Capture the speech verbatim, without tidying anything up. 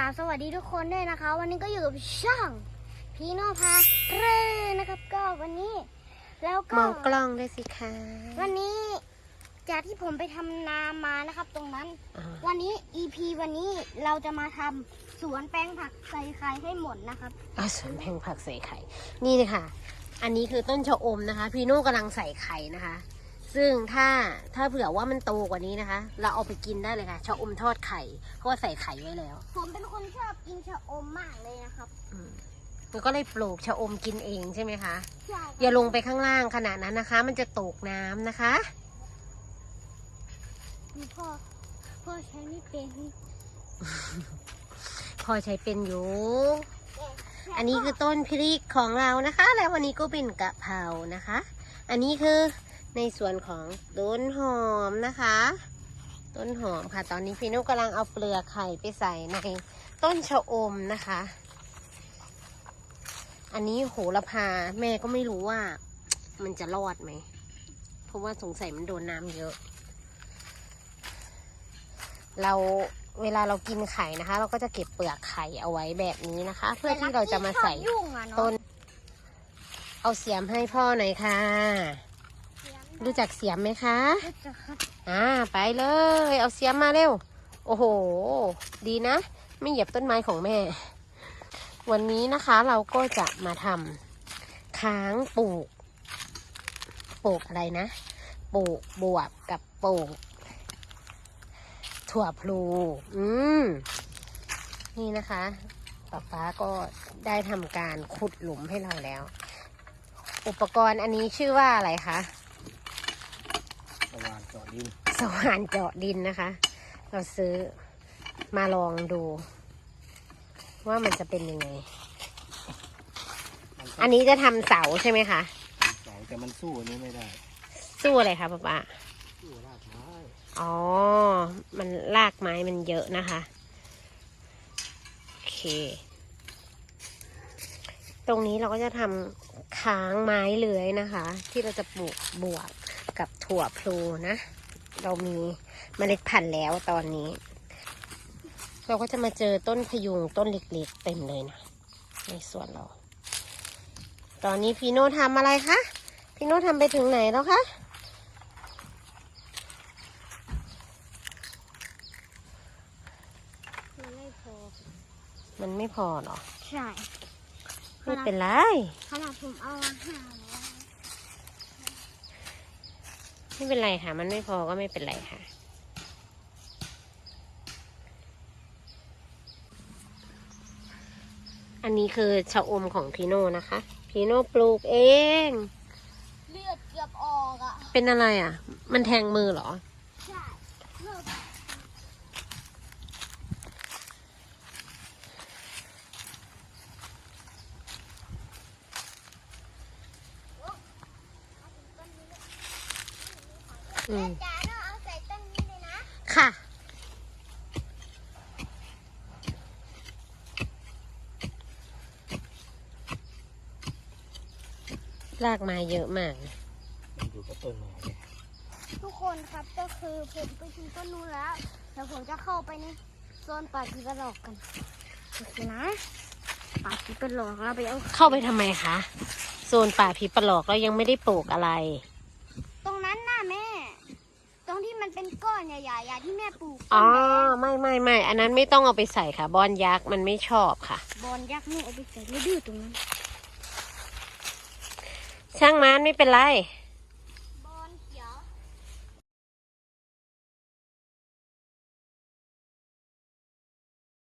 บสวัสดีทุกคนด้วยนะคะวันนี้ก็อยู่กับช่องพีโน่พาเร่นะครับก็วันนี้แล้วก็มองกล้องด้วยสิคะวันนี้จากที่ผมไปทำนามานะครับตรงนั้นวันนี้ อี พี วันนี้เราจะมาทำสวนแปลงผักใส่ไข่ให้หมดนะครับอ่ะสวนแปลงผักใส่ไข่นี่เลยค่ะอันนี้คือต้นชะอมนะคะพีโน่กำลังใส่ไข่นะคะซึ่งถ้าถ้าเผื่อว่ามันโตกว่านี้นะคะเราเอาไปกินได้เลยค่ะชะอมทอดไข่เพราะว่าใส่ไข่ไว้แล้วผมเป็นคนชอบกินชะอมมากเลยนะครับแล้วก็เลยปลูกชะอมกินเองใช่ไหมคะใช่อย่าลงไปข้างล่างขนาดนั้นนะคะ มันจะตกน้ำนะคะพ่อพ่อใช้ไม่เป็นพ่อใช้เป็นอยู่อันนี้คือต้นพริกของเรานะคะแล้ววันนี้ก็เป็นกะเพรานะคะ อันนี้คือในส่วนของต้นหอมนะคะต้นหอมค่ะตอนนี้พี่นุ๊กกำลังเอาเปลือกไข่ไปใส่ในต้นชะอมนะคะอันนี้โหระพาแม่ก็ไม่รู้ว่ามันจะรอดไหมเพราะว่าสงสัยมันโดนน้ำเยอะเราเวลาเรากินไข่นะคะ เราก็จะเก็บเปลือกไข่เอาไว้แบบนี้นะคะ เพื่อที่เราจะมาใส่ต้นเอาเสียมให้พ่อหน่อยค่ะรู้จักเสียมไหมคะรู้จักครับอ่าไปเลยเอาเสียมมาเร็วโอ้โหดีนะไม่เหยียบต้นไม้ของแม่วันนี้นะคะเราก็จะมาทำค้างปลูกปลูกอะไรนะปลูกบวบกับปลูกถั่วพลูอืมนี่นะคะป๊าป๊าก็ได้ทำการขุดหลุมให้เราแล้วอุปกรณ์อันนี้ชื่อว่าอะไรคะสว่านเจาะดินสว่านเจาะดินนะคะเราซื้อมาลองดูว่ามันจะเป็นยังไงอันนี้จะทำเสาใช่ไหมคะเสาแต่มันสู้อันนี้ไม่ได้สู้อะไรคะป๊าป๊าสู้รากไม้อ๋อมันรากไม้มันเยอะนะคะโอเคตรงนี้เราก็จะทำค้างไม้เลื้อยนะคะที่เราจะปลูกบวบกับถั่วพลูนะเรามีเมล็ดพันธุ์แล้วตอนนี้เราก็จะมาเจอต้นพยุงต้นเล็กๆเต็มเลยนะในสวนเราตอนนี้พี่โน่ทำอะไรคะพี่โน่ทำไปถึงไหนแล้วคะมันไม่พอมันไม่พอหรอใช่ไม่เป็นไรขนาดผมเอาอาหารแล้วไม่เป็นไรค่ะมันไม่พอก็ไม่เป็นไรค่ะอันนี้คือชะอมของพีโน่นะคะพีโน่ปลูกเองเลือดเกือบออกอ่ะเป็นอะไรอ่ะมันแทงมือเหรอใช่เลือดอืมจ๋าเราเอาใส่ต้นนี้เลยนะค่ะรากไม้เยอะมากมันอยู่กับต้นไม้ทุกคนครับก็คือผมไปถึงต้นนู้นแล้วเดี๋ยวผมจะเข้าไปในโซนป่าผีปลอกกันโอเคนะป่าผีปลอกเราไปเอาเข้าไปทำไมคะโซนป่าผีปลอกเรายังไม่ได้ปลูกอะไรตรงนั้นน่ะแม่ตรงที่มันเป็นก้อนใหญ่ๆที่แม่ปลูกอ๋อไม่ไม่ไม่อันนั้นไม่ต้องเอาไปใส่ค่ะบอนยักษ์มันไม่ชอบค่ะบอนยักษ์ไม่เอาไปใส่ไม่ดื้อตรงนั้นช่างมันไม่เป็นไร